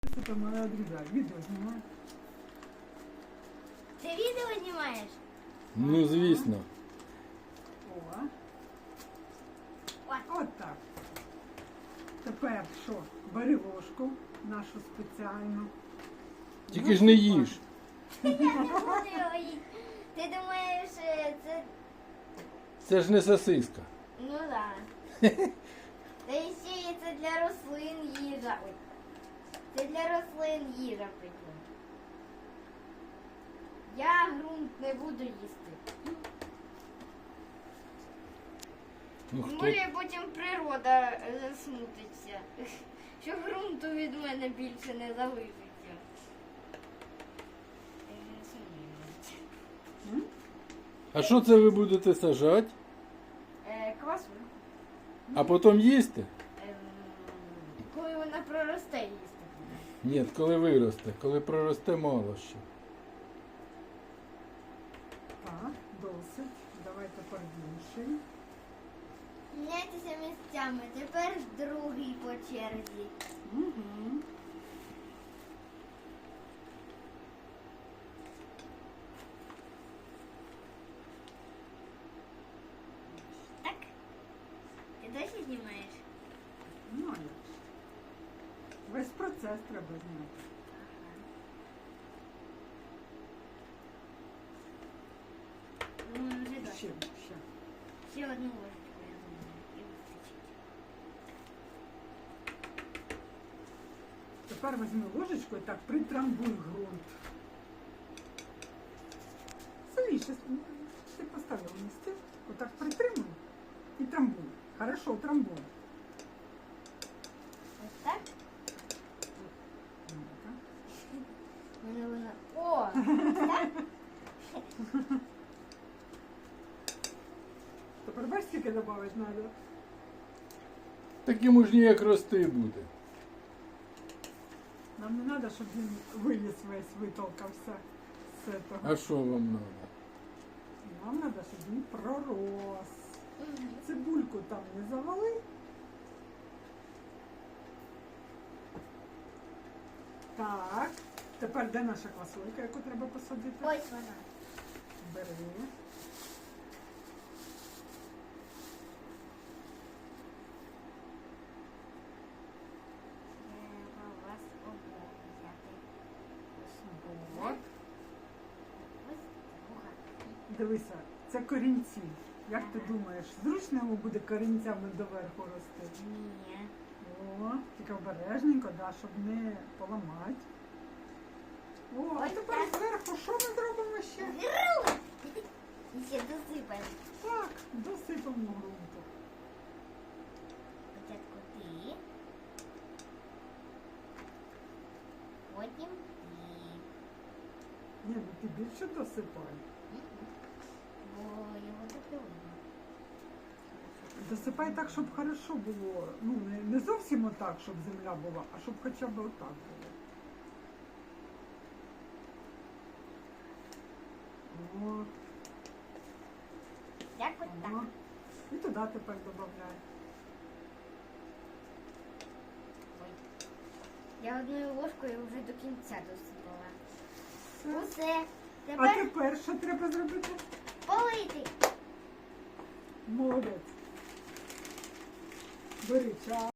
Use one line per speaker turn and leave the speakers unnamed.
Это моя друзья. Видео снимаю.
Ти відео знімаєш?
Ну, звісно.
О.
Ой.
От так. Тепер що? Бери ложку нашу спеціальну.
Тільки ж не їж.
Я не буду його їсти. Ти думаєш, це...
Це ж не сосиска.
Ну да. Та і ще є це для рослин їжа. Ой. Це для рослин їжа, прикинь. Я ґрунт не буду їсти.
Ну, хто?
Може потім природа засмутиться, що ґрунту від мене більше не залишиться.
А що це ви будете сажати?
Квасу.
А потім їсти?
Коли вона проросте їсти.
Ні, коли виросте. Коли проросте, мало ще.
Так, досить. Давай тепер інший.
Міняйтеся місцями. Тепер другий по черзі.
Угу.
Так? Ти досі знімаєш?
Ну, а як ж. Весь процес треба зняти.
Ну, вже досі.
Ще.
Ще одну ложечку, я думаю, і вистачить.
Тепер візьми ложечку і так притрамбуй ґрунт. Сильніше ти поставив місце. Отак притримуй і трамбуй. Хорошо, трамбуй.
Ось так?
Ну-ка.
Вона. О! Ось так?
Тепер бачиш, скільки додати треба?
Так йому ж ніяк рости буде.
Нам не треба, щоб він виліз весь, витолкався з цього.
А що вам треба?
Нам треба, щоб він пророс. Цибульку там не завали. Так, тепер де наша квасолька, яку треба посадити?
Ось вона.
Бери.
Треба вас обох взяти.
От.
Ось друга.
Дивися, це корінці. Як ти думаєш, зручно йому буде корінцями доверху рости?
Ні.
О, тільки обережненько, да, щоб не поламати. О, а
Ось
тепер
так.
зверху що ми зробимо ще?
Гру! І ще досипаємо.
Так, досипемо ґрунту.
Спочатку ти. Потім ти.
Ні, ну ти більше досипай.
Бо його допилимо.
Досипай так, щоб хорошо було. Ну, не зовсім отак, щоб земля була, а щоб хоча б отак було. От,
Як от
о.
так.
І туди тепер додай.
Ой. Я одною ложкою вже до кінця досипала.
Все.
Усе.
А
Тепер
тепер що треба зробити?
полити.
Молодець. Бери чай.